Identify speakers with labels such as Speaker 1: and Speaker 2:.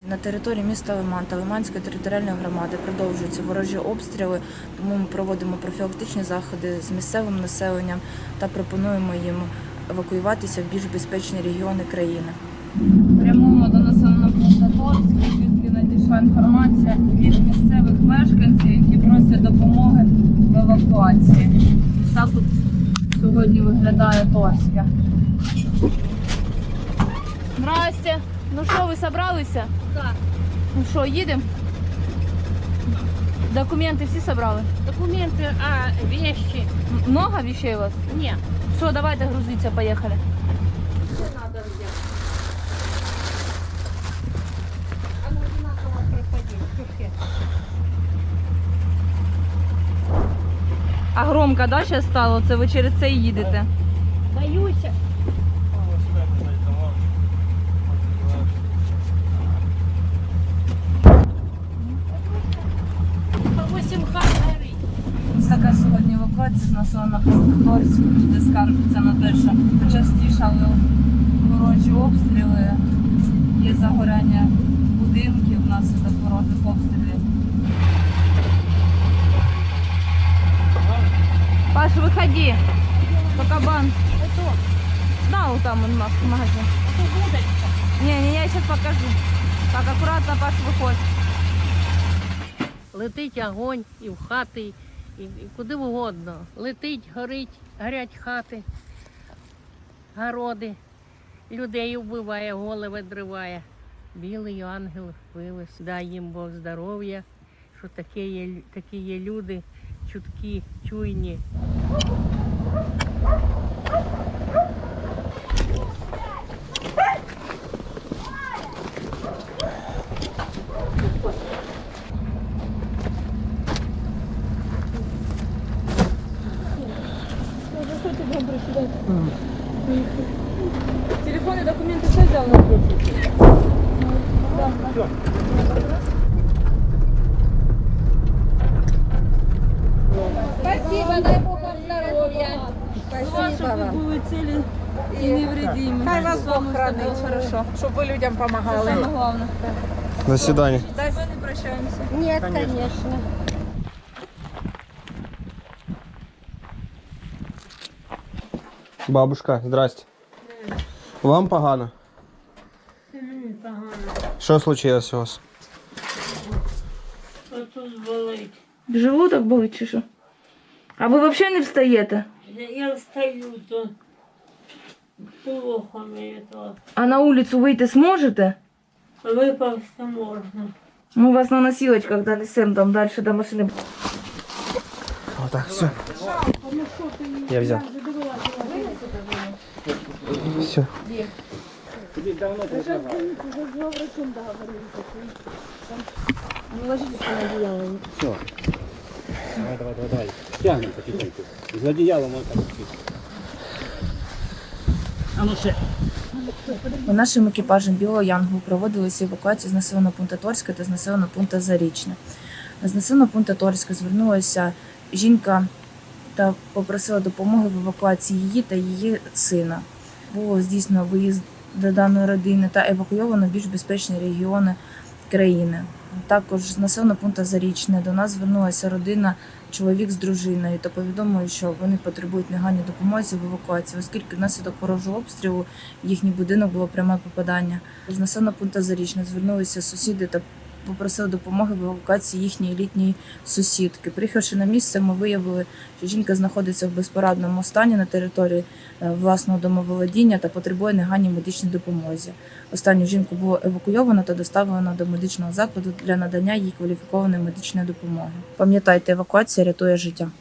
Speaker 1: На території міста Лиман та Лиманської територіальної громади продовжуються ворожі обстріли, тому ми проводимо профілактичні заходи з місцевим населенням та пропонуємо їм евакуюватися в більш безпечні регіони країни.
Speaker 2: Прямуємо до населеного пункту Торськ, звідки надійшла інформація від місцевих мешканців, які просять допомоги в евакуації. Ось так от сьогодні виглядає Торське. Здрасте. Ну що, ви зібралися?
Speaker 3: Так.
Speaker 2: Ну що, їдемо? Документи всі зібрали?
Speaker 3: Документы, вещи.
Speaker 2: Много вещей у вас?
Speaker 3: Нет.
Speaker 2: Все, давайте грузиться, поїхали.
Speaker 3: Что надо взять? Оно одинаково проходить. Чушки.
Speaker 2: А громко, да, зараз стало? Це ви через це і їдете?
Speaker 3: Боюсь. По 8 хат горить.
Speaker 2: Ось така сьогодні евакуація з населеного пункту Торськ, де скаржаться на те, що почастішали ворожі обстріли, є загоряння будинків внаслідок ворожих обстрілів. Паш, виходи, по кабан.
Speaker 3: Это,
Speaker 2: Да, вот там он наш магазин.
Speaker 3: это водочка.
Speaker 2: Не, я сейчас покажу. Так, аккуратно, Паш, виходь.
Speaker 3: Летить огонь і в хати, і куди угодно. Летить, горять хати, городи. Людей вбиває, голови дриває. Білий ангел вивез. Дай їм Бог здоров'я, що такі є люди, чуткі, чуйні.
Speaker 2: Телефон и документы все взял на
Speaker 3: Спасибо, дай Бог вам здоров'я.
Speaker 2: Чтобы вы были цели и невредимы.
Speaker 4: Хай вас Бог хранить,
Speaker 2: Хорошо.
Speaker 4: щоб ви людям
Speaker 2: Это
Speaker 4: допомагали.
Speaker 2: самое главное.
Speaker 5: До свидания.
Speaker 2: Дальше не прощаемся.
Speaker 3: Нет, конечно.
Speaker 5: Бабушка, здрасте. Вам погано?
Speaker 3: Погано.
Speaker 5: Що случилось у вас?
Speaker 3: Тут болить.
Speaker 2: Желудок болить чи що? А ви взагалі не встаєте?
Speaker 3: Я встаю, то плохо мне то.
Speaker 2: А на вулицю вийти зможете?
Speaker 3: Выползти можно.
Speaker 2: Мы вас на носилочках донесем там дальше до машины.
Speaker 5: Вот так, все. Я взял. Все.
Speaker 6: Давай. Тягнем потихоньку. З одіялом он так. А ну ще.
Speaker 1: Нашим екіпажем Білого Янгол проводилися евакуації з населеного пункту Торська та з населеного пункту Зарічне. З населеного пункту Торська звернулася жінка та попросила допомоги в евакуації її та її сина. Було здійснено виїзд до даної родини та евакуйовано в більш безпечні регіони країни. Також з населеного пункту Зарічне до нас звернулася родина, чоловік з дружиною, та повідомили, що вони потребують негайної допомоги в евакуації, оскільки внаслідок ворожого обстрілу їхній будинок було пряме попадання. З населеного пункту Зарічне звернулися сусіди та попросили допомоги в евакуації їхньої літньої сусідки. Приїхавши на місце, ми виявили, що жінка знаходиться в безпорадному стані на території власного домоволодіння та потребує негайної медичної допомоги. Останню жінку було евакуйовано та доставлено до медичного закладу для надання їй кваліфікованої медичної допомоги. Пам'ятайте, евакуація рятує життя.